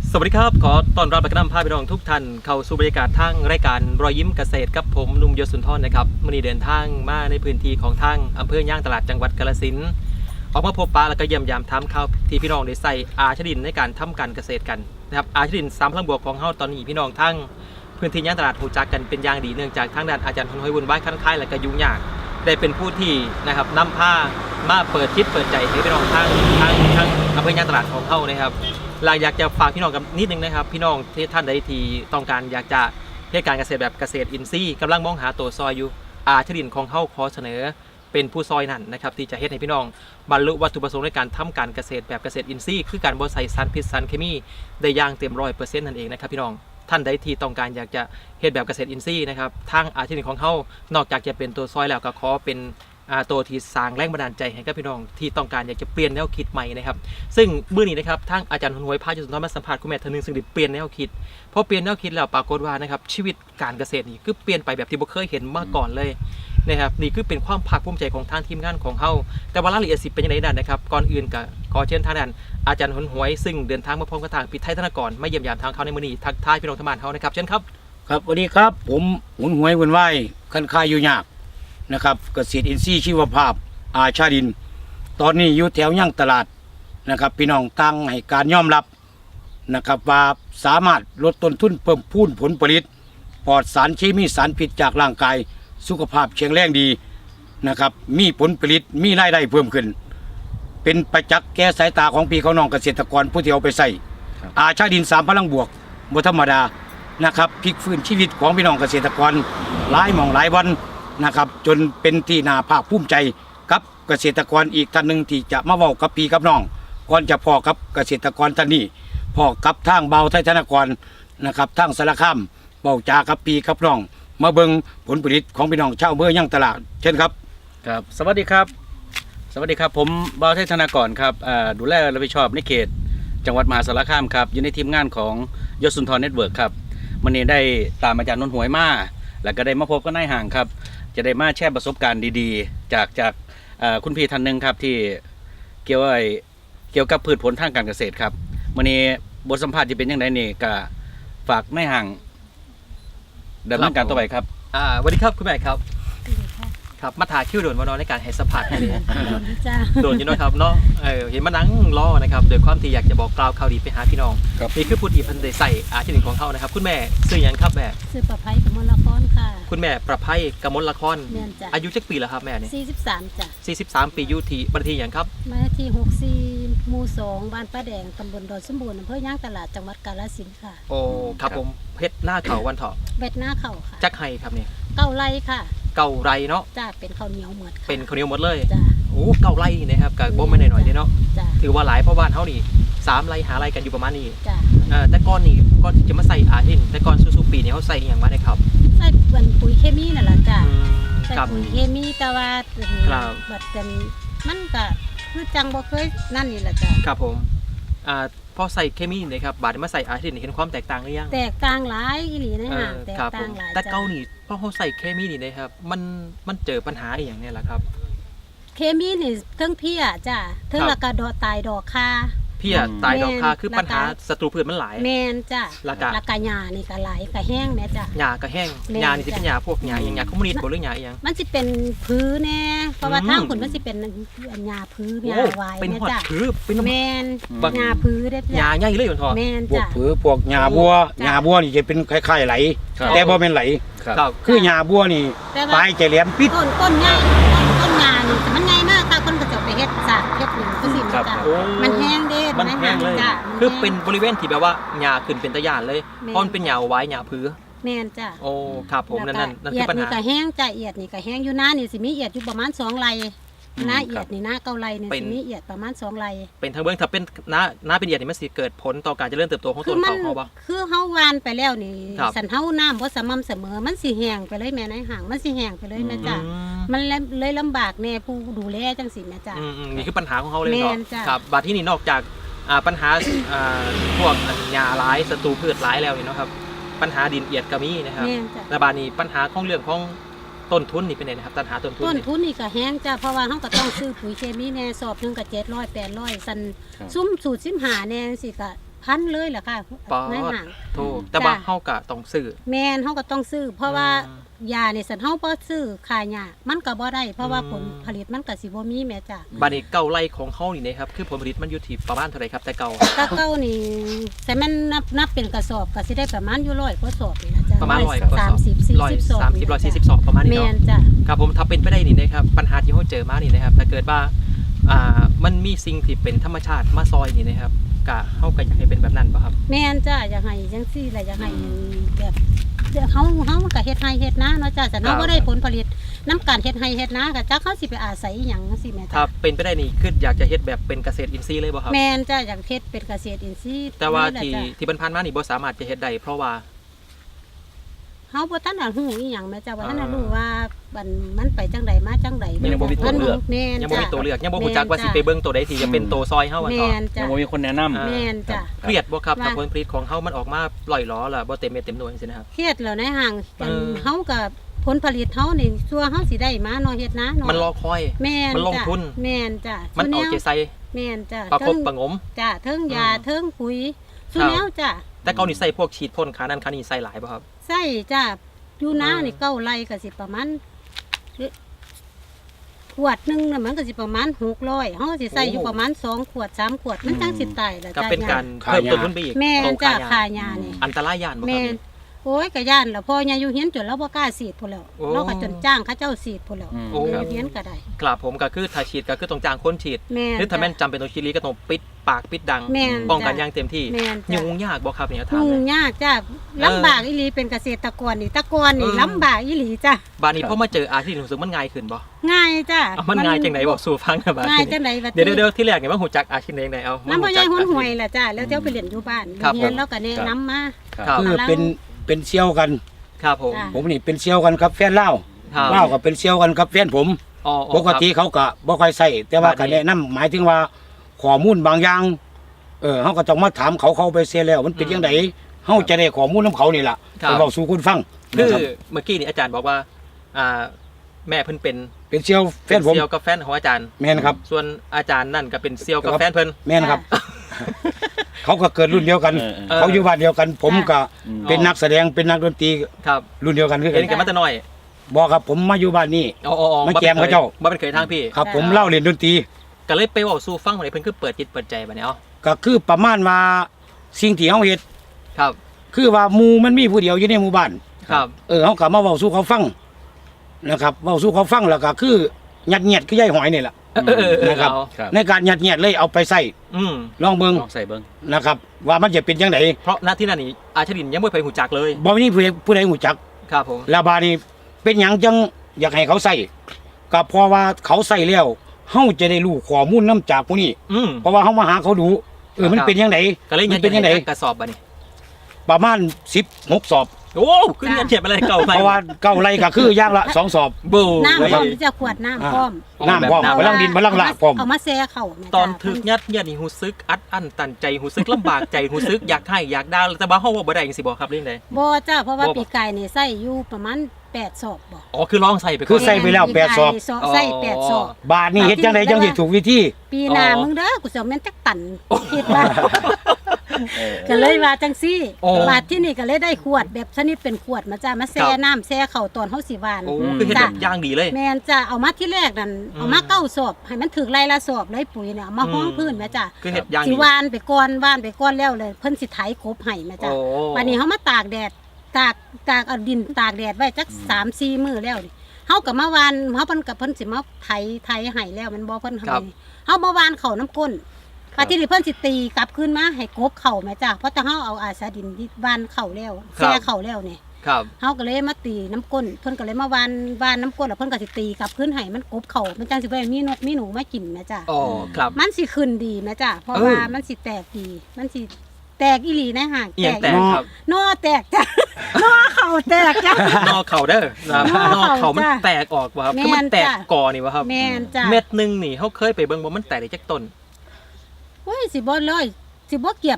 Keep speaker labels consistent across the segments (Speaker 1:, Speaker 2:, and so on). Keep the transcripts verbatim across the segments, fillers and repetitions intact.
Speaker 1: สวัสดีครับขอต้อนรับและก็นำพาพี่น้องทุกท่านเข้าสู่บรรยากาศทางรายการรอยยิ้มเกษตรกับผมหนุ่มยศสุนทรนะครับวันนี้เดินทางมาในพื้นที่ของทางอำเภอย่างตลาดจังหวัดกาฬสินธุ์ออกมาพบปะและก็เยี่ยมยามทำข้าวที่พี่น้องได้ใส่อาชดินในการทำการเกษตรกันนะครับอาชดินสามพลังบวกของเฮาตอนนี้พี่น้องทั้งพื้นที่ย่างตลาดหูจักกันเป็นอย่างดีเนื่องจากทางด้านอาจารย์พลอยวุ่นวายคันคายและก็ยุ่งยากได้เป็นผู้ที่นะครับนำผ้ามาเปิดคิดเปิดใจให้พี่น้องทั้งทั้งทั้งอำเภอย่างตลาดของเฮานะครับเราอยากจะฝากพี่น้องกับนิดนึงนะครับพี่น้องที่ท่านใดที่ต้องการอยากจะเฮ็ดการเกษตรแบบเกษตรอินทรีย์กำลังมองหาตัวซอยอยู่อาชดินของเฮาขอเสนอเป็นผู้ซอยนั่นนะครับที่จะเฮ็ดให้พี่น้องบรรลุวัตถุประสงค์ในการทำการเกษตรแบบเกษตรอินทรีย์คือการบ่ใส่สารพิษสารเคมีได้อย่างเต็มร้อยเปอร์เซ็นต์นั่นเองนะครับพี่น้องท่านใดที่ต้องการอยากจะเฮ็ดแบบเกษตรอินทรีย์นะครับทางอาชดินของเฮานอกจากจะเป็นตัวซอยแล้วก็ขอเป็นตัวที่สร้างแรงบันดาลใจให้กับพี่น้องที่ต้องการอยากจะเปลี่ยนแนวคิดใหม่นะครับซึ่งมื้อนี้นะครับทางอาจารย์หวยพาจุสุนทรมาสัมภาษณ์คุณแม่ท่านนึงซึ่งได้เปลี่ยนแนวคิดพอเปลี่ยนแนวคิดแล้วปรากฏว่านะครับชีวิตการเกษตรนี่คือเปลี่ยนไปแบบที่บ่เคยเห็นมาก่อนเลยนะครับนี่คือเป็นความภาคภูมิใจของทางทีมงานของเฮาแต่ว่ารายละเอียดสิเป็นยังไงนั่นนะครับก่อนอื่นก็ขอเชิญทางด้านอาจารย์หวยซึ่งเดินทางมาพร้อมกับทางพิไทยธนกรมาเยี่ยมยามทางเขาในมื้อนี้ทักทายพี่น้องทั้งบ้านเฮานะครับเชิญครับ
Speaker 2: ครับสวัสดีครับผมหุนหวยวุ่นวายคันคายอยู่ยากนะครับเกษตรอินทรีย์ชีวภาพอาชาดินตอนนี้อยู่แถวย่างตลาดนะครับพี่น้องตั้งให้การยอมรับนะครับว่าสามารถลดต้นทุนเพิ่มพูนผลผลิตปลอดสารเคมีสารพิษจากร่างกายสุขภาพแข็งแรงดีนะครับมีผลผลิตมีรายได้เพิ่มขึ้นเป็นประจักษ์แก่สายตาของพี่เขาน้องเกษตรกรผู้ที่เอาไปใส่อาชาดินสามพลังบวกบ่ธรรมดานะครับพลิกฟื้นชีวิตของพี่น้องเกษตรกรหลายหม่องหลายวันนะครับจนเป็นที่น่าภาคภูมิใจกับเกษตรกรอีกท่านหนึ่งที่จะมาเว้ากับพี่กับน้องก่อนจะพอกับเกษตรกรท่านนี้พอกับทางเบาไทยธนกรนะครับทางสารคามเบาจากับพี่กับน้องมาเบิ่งผลผลิตของพี่น้องชาวอำเภอย่างตลาดเช่นครับ
Speaker 3: ครับสวัสดีครับสวัสดีครับผมเบาไทยธนกรครับดูแลรับผิดชอบในเขตจังหวัดมหาสารคามครับอยู่ในทีมงานของยศสุนทรเน็ตเวิร์คครับวันนี้ได้ตามอาจารย์นนท์หวยมาแล้วก็ได้มาพบกับนายห่างครับจะได้มาแชร์ประสบการณ์ดีๆจากจากคุณพี่ท่านหนึ่งครับที่เกี่ยวกับเกี่ยวกับพืชผลทางการเกษตรครับวันนี้บทสัมภาษณ์จะเป็นยังไงนี่ก็ฝากนายห่างดำเนินการต่อไปครับ
Speaker 1: อ่าสวัสดีครับคุณแม่ครับครับมาถ่ายคิวโดนมานอนในการให้สัมภาษณ์นี่โดนอยู่นะครับเนาะเออเห็นมานั่งรอนะครับโดยความที่อยากจะบอกกล่าวข่าวดีไปหาพี่น้องนี่คือพูดอีพันได้ใส่อาชีพหนึ่งของเขานะครับคุณแม่ซื้อยังครับแม่
Speaker 4: ซื้อประไพกมลละครค่ะ
Speaker 1: คุณแม่ประไพกมลละครอายุจักปีแล้วครับแม่เนี่ย
Speaker 4: สี่สิบสามจ้ะ
Speaker 1: สี่สิบสามปีอยู่ที่บัญชีอย่างครับ
Speaker 4: มาที่หกสี่หมู่สองบ้านป้าแดงตำบลดอนสมบูรณ์อำเภอย่างตลาดจังหวัดกาฬสินธุ์ค่ะ
Speaker 1: โอ้ครับผมเพชรหน้าเข่าวันเถาะ
Speaker 4: เบ็ดหน้าเข่าค่ะ
Speaker 1: จักไห้ครับเนี่ย
Speaker 4: เก้าไร่ค่ะ
Speaker 1: เก่าไรเนาะ
Speaker 4: จ้าเป็นข้าวเหนียวหมด
Speaker 1: เป็นข้าวเหนียวหมดเลย
Speaker 4: จ้า
Speaker 1: โอ้เก่าไรนะครับกับบ่ไม่หน่อยๆเนาะถือว่าหลายเพราะบ้านเขานี่สามไรหาไรกันอยู่ประมาณนี้
Speaker 4: จ้า
Speaker 1: แต่ก้อนนี่ก้อนที่จะมาใส่อาทินแต่ก้อนซูซูปีเนี่ยเขาใส่อย่างมาได้ครับ
Speaker 4: ใส่เป็นปุ๋ยเคมีนั่นแหละจ้าใส่ปุ๋ยเคมีแต่ว่าบัดกันมันก็คือจังบ่เคยนั่นนี่แหละจ้า
Speaker 1: ครับผมอ่าพอใส่เคมีนะครับบาดมาใส่อาทินเห็นความแตกต่างหรือยัง
Speaker 4: แตกต่างหลายอีหลีนะฮะแตกต่างหลาย
Speaker 1: แต่เก่านี่พอเขาใส่เคมีนี่นะครับมันมันเจอปัญหาอย่างนี้แหละครับ
Speaker 4: เคมีนี่เทิงเพี้ยจ้าเทิงละกะดอกตายดอกคา
Speaker 1: เพี้ยตายดอกคาคือปัญหาศัตรูพืชมันหลาย
Speaker 4: แมนจ้าละกะละกะหญ้านี่ก็หลายกะแห้งแม่จ้า
Speaker 1: หญ้าก็แห้งหญ้านี่สิเป็นหญ้าพวกหญ้าอย่างหญ้าคอมมิวนิสต์บ่หรือหญ้าอีหยัง
Speaker 4: มันสิเป็นพื้นแน่เพราะว่าทางคุณมันสิเป็นหญ้าพื้นหญ้าไว้
Speaker 1: แม่จ้าพื้นเป็น
Speaker 4: แมนหญ้าพื้นเด้
Speaker 1: จ้าหญ้าใหญ่เลยอยู่ทอ
Speaker 4: แมน
Speaker 2: จ้าพวกพื้นพวกหญ้าบัวหญ้าบัวนี่จะเป็นคล้ายๆไหลแต่บ่เป็นไหลคือหญ้าบัวนี่ปลายจะแหลมปิด
Speaker 4: ต้นต้นใหญ่ต้นหญ้านี่มันใหญ่มากค่ะคนก็จะไปเฮ็ดสาดเฮ็ดหนึ่งก็สิจ้ามันแห้งเด้
Speaker 1: มันแห้งเลยคือเป็นบริเวณที่แบบว่าหญ้าขึ้นเป็นตะย่านเลยเพราะมันเป็นหญ้าไว้หญ้าพื้น
Speaker 4: แม่นจ้า
Speaker 1: โอ้ครับผมนั่นนั่นนั่น
Speaker 4: คือปัญหาเอียดนี่ก็แห้งจ้าเอียดนี่ก็แห้งอยู่หน้านี่สิมีเอียดอยู่ประมาณสองไร่หน้าเอียดนี่หน้าเก้าไร่นี่สิมีเอียดประมาณสองไร่
Speaker 1: เป็นทางเบื้องถ้าเป็นหน้าหน้าเป็นเอียดนี่มันสิเกิดผลต่อการเจริญเติบโตของต้นเขาเขาบ่
Speaker 4: คือเฮาวานไปแล้วนี่สันเฮาน้ำบ่สม่ำเสมอมันสิแห้งไปเลยแม่นายห่างมันสิแห้งไปเลยแม่จ้ามันเลยลำบากแน่ผู้ดูแลจังสิแม่จ้า
Speaker 1: นี่คือปัญหาของเขาเลยครับบาดที่นี่นอกจากปัญหาพวกหญ้าหลายศัตรูพืชหลายแล้วนี่เนาะครับปัญหาดินเอียดก็มีนะครับและบาดนี้ปัญหาของเรื่องของต้นทุนนี่เป็นไงนะครับปัญหาต้นทุน
Speaker 4: ต้นทุนนี่ก็แห้งจ้าเพราะว่าเฮาก็ต้องซื้อปุ๋ยเคมีแน่สอบนึงก็เจ็ดร้อย แปดร้อยซันซุ้มสูตรสิบห้าแน่สิก็พันเลยล่ะค่ะ
Speaker 1: ปอ
Speaker 4: ใน
Speaker 1: ด
Speaker 4: ห้าง
Speaker 1: โทษแต่ว่า
Speaker 4: จ้ะ
Speaker 1: เฮาก็ต้องซื้อ
Speaker 4: แม่นเฮาก็ต้องซื้อ เพราะว่า
Speaker 1: อืม
Speaker 4: ยานี่สันเฮาบ่ซื้อขายยามันก็บ่ได้เพราะว่า
Speaker 1: อืม
Speaker 4: ผลผลิตมันก็สิบ่มีแม่จ้ะ
Speaker 1: บัดนี้เก่าไร่ของเฮานี่นะครับคือผลผลิตมันอยู่ที่ประมาณเท่าไหร่ครับแต่เก่า
Speaker 4: ถ้าเก้านี่แต่มันนับนับเป็นกระสอบก็สิได้ประมาณอยู่ร้อยกว่าสอบนี่นะจ๊ะ
Speaker 1: ประมาณร้อยกว่าสอบ
Speaker 4: สามสิบสี่
Speaker 1: ร้อย
Speaker 4: สิบสอบ
Speaker 1: สามสิบร้อยสี่สิบสองประมาณนี้
Speaker 4: แม่
Speaker 1: เนาะ
Speaker 4: นจ้ะ
Speaker 1: ครับผมถ้าเป็นไปได้นี่นะครับปัญหาที่เขาเจอมานี่นะครับถ้าเกิดว่าอ่ามันมีสิ่งที่เป็นธรรมชาติมาซอยนี่นะครับกะเขาก็อยากให้เป็นแบบนั้นป่ะครับ
Speaker 4: แม่นจ้ะอยากให้จังซี่แหละอยากให้แบบเฮาเฮามันก็เฮ็ดไร่เฮ็ดนาเนาะจ้ะแต่
Speaker 1: ครั
Speaker 4: เฮา
Speaker 1: บ
Speaker 4: บ่ได้ผลผลิตน้ำการเฮ็ดไร่เฮ็ดนาก็จักเขาสิไปอาศัยอิหยังจังซี่แม่
Speaker 1: ถ้า
Speaker 4: จ้ะ
Speaker 1: เป็นไปได้นี่คืออยากจะเฮ็ดแบบเป็นเกษตรอินทรีย์เลยป่ะครับ
Speaker 4: แม่นจ้ะอยากเฮ็ดเป็นเกษตรอินทรีย์
Speaker 1: แต่ว่า
Speaker 4: นี่แหละ
Speaker 1: ที่
Speaker 4: จ้ะ
Speaker 1: ที่ผ่านๆมานี่บ่สามารถจะเฮ็ดได้เพราะว่า
Speaker 4: เฮาบ่ทันได้ฮู้อีหยังแม่จ้ะว่าทันได้
Speaker 1: อ่า
Speaker 4: รู้ว่ามันมันไปจังใดมาจังใด
Speaker 3: มันยังบ่มีตัวเลือก
Speaker 4: แม่น
Speaker 1: ยังบ่
Speaker 4: จ้ะ
Speaker 1: มีตัวเลือกยังบ่ฮู้จักว่าสิไปเบิ่งตัวใดที่จะเป็นตัวซอยเฮาว่า
Speaker 4: แม่
Speaker 1: ต่อน
Speaker 3: ยั
Speaker 4: จ้ะ
Speaker 3: งบ่มีคนแนะนำ
Speaker 1: อ่า
Speaker 4: แม่นจ้ะ
Speaker 1: เครียดบ่ครับ
Speaker 4: ว่า
Speaker 1: ถ้าผลผลิตของเฮามันออกมาปล่อยหล้อล่ะบ่เต็มเม็ดเต็มหน่วยจังซี่นะครับ
Speaker 4: เครียดแล้วในห่างกัน
Speaker 1: เออ
Speaker 4: เฮากับผลผลิตเฮานี่ชัวเฮาสิได้มาเนาะเฮ็ดนะเนาะ
Speaker 1: มันรอคอย
Speaker 4: แม่น
Speaker 1: มันลง
Speaker 4: จ้ะ
Speaker 1: ทุน
Speaker 4: แม่นจ้ะ
Speaker 1: มันเอาใจใส่
Speaker 4: แม่นจ้ะ
Speaker 1: ประคบ
Speaker 4: เทิง
Speaker 1: ประหงม
Speaker 4: จ้ะเทิงยา
Speaker 1: อืม
Speaker 4: เทิงปุ๋ยสุ
Speaker 1: ครับ
Speaker 4: แนวจ้ะ
Speaker 1: แต่เก่านี่ใส่พวกฉีดพ่นขานั่นขานี่ใส่หลายป่ะครับ
Speaker 4: ใส่จ้ะอยู่นา
Speaker 1: อืม
Speaker 4: นี่เก้าไร่ก็สิประมาณขวดหนึงน่ะมันก็สิประมาณหกร้อยเฮาก็สิใส่อยู่ประมาณสองขวดสามขวดมันจังสิตายล่ะ
Speaker 1: ก็
Speaker 4: จ้ะ
Speaker 1: เป็นการ
Speaker 2: ค่า
Speaker 1: เพิ่ม
Speaker 2: ยา
Speaker 1: ต้นทุนไปอีก
Speaker 4: แม่น
Speaker 1: ตรง
Speaker 4: จ้ะ
Speaker 1: ยา
Speaker 4: ค่ายานี่
Speaker 1: อันตรายยานบ่ครั
Speaker 4: แม่
Speaker 1: บ
Speaker 4: น
Speaker 1: นี่
Speaker 4: โอ้ยก็ย่านแล้วพ่อยายอยู่เฮียนจนเราบ่กล้าฉีดพุ่นแล้ว
Speaker 1: โอ้
Speaker 4: เราก็จนจ้างเขาเจ้าฉีดพุ่นแล้ว
Speaker 3: อืม
Speaker 1: โอ้
Speaker 4: อยู่เฮียนก็ได้
Speaker 1: ครับผมก็คือถ้าฉีดก็คือต้องจ้างคนฉีด
Speaker 4: แม่น
Speaker 1: หรือถ้าแม่น
Speaker 4: จ้ะ
Speaker 1: จำเป็นต้องฉีดลีก็ต้องปิดปากปิดดัง
Speaker 4: แม่น
Speaker 1: ป้องกัน
Speaker 4: จ้ะ
Speaker 1: อย่างเต็มที่
Speaker 4: แม่นจ้ะ
Speaker 1: ยุ่งยากบ่ครับเนี่ยถาม
Speaker 4: ยุ่
Speaker 1: เล
Speaker 4: ง
Speaker 1: ย
Speaker 4: ยากจ้ะลำบากอีหลีเป็นเกษตรกรนี่แตะกอนนี่
Speaker 1: เออ
Speaker 4: ลำบากอีหลีจ้ะ
Speaker 1: บานนี้พอมาเจออาชีพรู้สึกมันง่ายขึ้นบ่
Speaker 4: ง่ายจ้ะ
Speaker 1: เอามันง่ายจังไหนบอกสู่ฟังนะบาด
Speaker 4: ง่าย
Speaker 1: นี้
Speaker 4: จังไดบัด
Speaker 1: เดี๋ยวเดี๋ยวเดี๋ยวที่แรกเนี่ยว่าหูจักอาชีพไหนไหนเอา
Speaker 4: น้ำพ่อใหญ่
Speaker 1: รู้
Speaker 4: หุ่น
Speaker 1: จัก
Speaker 4: หวยล่ะจ้ะแล้วเที่ยวไปเรียนอยู่บ้าน
Speaker 1: ครับ
Speaker 4: เรียน
Speaker 1: ผม
Speaker 4: แล้วก็แนะนำมา
Speaker 1: ครับ
Speaker 2: คือเป็นเป็นเซี่ยวกัน
Speaker 1: ครับผม
Speaker 4: จ้ะ
Speaker 2: ผมนี่เป็นเซี่ยวกันครับแฟนเล่าว
Speaker 1: ครับ
Speaker 2: เล่าวก็เป็นเซี่ยวกันครับแฟนผม
Speaker 1: อ๋ออ๋อ
Speaker 2: ปกติเขาก็บ่ค่อยใส่แต่ว่า
Speaker 1: บา
Speaker 2: ก็
Speaker 1: ดนี้
Speaker 2: แนะนำหมายถึงว่าข้อมูลบางอย่างเออเฮาก็ต้องมาถามเขาเขาไปเสียแล้ว มันเป็นจังไดเฮาจะได้ข้อมูลนํเขานี่ล่ะ
Speaker 1: ครับ
Speaker 2: ไปเว้าสู่คุณฟัง
Speaker 1: คือ
Speaker 2: นะครับ
Speaker 1: เมื่อกี้นี่อาจารย์บอกว่าอ่าแม่เพิ่นเป็น
Speaker 2: เป็นเซี่ยวแฟนผม
Speaker 1: เซียวกับแฟนของอาจารย์
Speaker 2: แม่นครับ
Speaker 1: ส่วนอาจารย์นั่นก็เป็นเซียวกับ
Speaker 2: ครับ
Speaker 1: แฟนเพิ่น
Speaker 2: แม่นครับ เขาก็เกิดรุ่นเดียวกัน
Speaker 3: เออเออ
Speaker 1: เออ
Speaker 2: เขาอยู่บ้านเดียวกัน ผมก็
Speaker 3: อืม
Speaker 2: เป็นนักแสดงเป็นนักดนตรี
Speaker 1: ครับ
Speaker 2: รุ่นเดียวกันคือกั
Speaker 1: เห็น
Speaker 2: น
Speaker 1: กันมาแต่น้อย
Speaker 2: บอกครับผมมาอยู่บ้านนี่
Speaker 1: อ๋ออ๋ออ๋อ
Speaker 2: มาแจมเขาเจ้า
Speaker 1: บ่เป็นเคยทางพี่
Speaker 2: ครับ ผมเล่าเรียนดนตรี
Speaker 1: ก็เลยไปเว้าสู่ฟังว่าเพิ่นคือเปิดจิตเปิดใจบัดนี้เอา
Speaker 2: ก็คือประมาณว่าสิ่งที่เฮาเฮ็ด
Speaker 1: ครับ
Speaker 2: คือว่าหมู่มันมีผู้เดียวอยู่ในหมู่บ้าน
Speaker 1: ครับ
Speaker 2: เออเฮาก็มาเว้าสู่เขาฟังนะครับเว้าสู่เขาฟังแล้วก็คือยัดเยียดคือยายหอยนี่แหละ
Speaker 1: เออเออเออเออ
Speaker 2: นะครับ
Speaker 1: เอา
Speaker 3: ครับ
Speaker 2: ในการยัดเยียดเลยเอาไปใส่
Speaker 1: อืม
Speaker 2: ลองเบิ่ง
Speaker 3: ลองใส่เบิ่ง
Speaker 2: นะครับ ว่ามันจะเป็นจังได
Speaker 1: เพราะหน้าที่นั่นนี่อาชรินยังไม่เคยหูจักเลย
Speaker 2: บ่มีผู้ใดผู้ใดรู้จัก
Speaker 1: ครับผม
Speaker 2: แล้วบาดนี้เป็นหยังจังอยากให้เขาใส่ก็เพราะว่าเขาใส่แล้วเฮาจะได้รู้ข้อมูลนํจากผู้นี้
Speaker 1: อืม
Speaker 2: เพราะว่าเฮามาหาเขาดูเออมัน
Speaker 1: ครับ
Speaker 2: เป็นจังได
Speaker 1: ก็เลย
Speaker 2: มั
Speaker 1: ยั
Speaker 2: น
Speaker 1: ง
Speaker 2: เป็นจังได
Speaker 1: กระสอบบัดนี้
Speaker 2: ประมาณสิบหกสอบ
Speaker 1: โอ้ขึ้นเงินเทียบอะไรเก่าไป
Speaker 2: เพราะว่าเก้าไร่ก็คืออย่างละสองสอบ
Speaker 1: บู
Speaker 4: น้ำพ
Speaker 2: ค
Speaker 4: ร้
Speaker 2: รั
Speaker 4: อบ มที่จะขวดน้ำพร้อม
Speaker 2: น้ำพร้อม
Speaker 1: แบบน้ำ
Speaker 2: พลังดินพลังละพร้อม
Speaker 4: เอามาแซ่เข่าแม่
Speaker 1: ตอน
Speaker 4: จ้ะ
Speaker 1: ถึกยัดเยียดนี่หูซึกอัดอั้นตันใจหูซึกลำบากใจหูซึกอยากให้อยากได้แต่ว่าเฮาบ่ได้จังซี่บ่ครับเรื่องใด
Speaker 4: บ่จ้าเพราะว่า
Speaker 1: บ่
Speaker 4: ปีกไก่นี่ใส่อยู่ประมาณแปดศอกบ่
Speaker 1: อ๋อคือลองใส่ไปก่
Speaker 2: คือ อน ใส่ไปแล้วแปดศอก
Speaker 4: ปีกไก่นี่ใส่แปดศอก
Speaker 2: บาทนี่เฮ็ดจังไดจังสิถูกวิธี
Speaker 4: ปีหน้า
Speaker 1: อ๋อ
Speaker 4: มึงเด้อกูสิเอาแม่นจักตันคิดว่าก็เลยว่าจังซี่
Speaker 1: โอ้
Speaker 4: บาดที่นี่ก็เลยได้ขวดแบบชนิดเป็นขวดมาจ้ามาแซ่
Speaker 1: ครับ
Speaker 4: น้ำแซ่เข่าตอนเฮาสิหวาน
Speaker 1: โอ้คือเฮ็ดแบบย่างดีเลย
Speaker 4: แม่นจ้าเอามาที่แรกนั่น
Speaker 1: อืม
Speaker 4: เอามาเก้าศอกให้มันถึกไล่ละศอกเลยปุ๋ยเนี่ยเอามาห้อง
Speaker 1: อืม
Speaker 4: พื้นแม่จ้า
Speaker 1: คือเฮ็ดย่าง
Speaker 4: สิ
Speaker 1: ดี
Speaker 4: หวานไปก่อนหวานไปก่อนแล้วเลยเพิ่นสิไถกบให้แม่จ้า
Speaker 1: โอ้
Speaker 4: วันนี้เฮามาตากแดดตากตากเอาดินตากแดดไว้จักสามสี่มื้อแล้วนี่เฮาก็มาวานเฮาเพิ่นกับเพิ่นสิมาไถไถให้แล้วมันบ่เพิ่น
Speaker 1: ครั
Speaker 4: ให้
Speaker 1: บ
Speaker 4: เฮามาวานเข้าน้ำก้นปาที่นี่เพิ่นสิตีกลับคืนมาให้กบเข้าแม่จ้าเพราะแต่เฮาเอาอาสาดินที่วานเข้าแล้วแช่เข้าแล้วนี่
Speaker 1: ครับ
Speaker 4: เฮาก็เลยมาตีน้ำก้นเพิ่นก็เลยมาวานวานน้ำก้นแล้วเพิ่นก็สิตีกลับคืนให้มันกบเข้ามันจังสิบ่ได้มีนกมีหนูมากินแม่จ้า
Speaker 1: อ๋อครับ
Speaker 4: มันสิขึ้นดีแม่จ้าเพราะ
Speaker 1: เออ
Speaker 4: ว่ามันสิแตกดีมันสิแตกอีหลีนะห่าง
Speaker 1: เอียงแตกครับ
Speaker 4: นอแตกจ้ะ นอเข่าแตกจ้ะ
Speaker 1: นอกเข่าเด้อนะครับ
Speaker 4: น
Speaker 1: น
Speaker 4: อ
Speaker 1: อก
Speaker 4: เข่า
Speaker 1: เข่ามัน
Speaker 4: จ้ะ
Speaker 1: แตกออกบ่ครับ
Speaker 4: แม่น
Speaker 1: คือมันแตก
Speaker 4: จ้ะ
Speaker 1: กอนี่บ่ครับ
Speaker 4: แม่นจ้ะ
Speaker 1: เม็ดหนึงนี่เฮาเคยไปเบิ่งบ่มันแตกได้จักต้น
Speaker 4: โอ้ยสิบ่ร้อยสิบ่เกียบ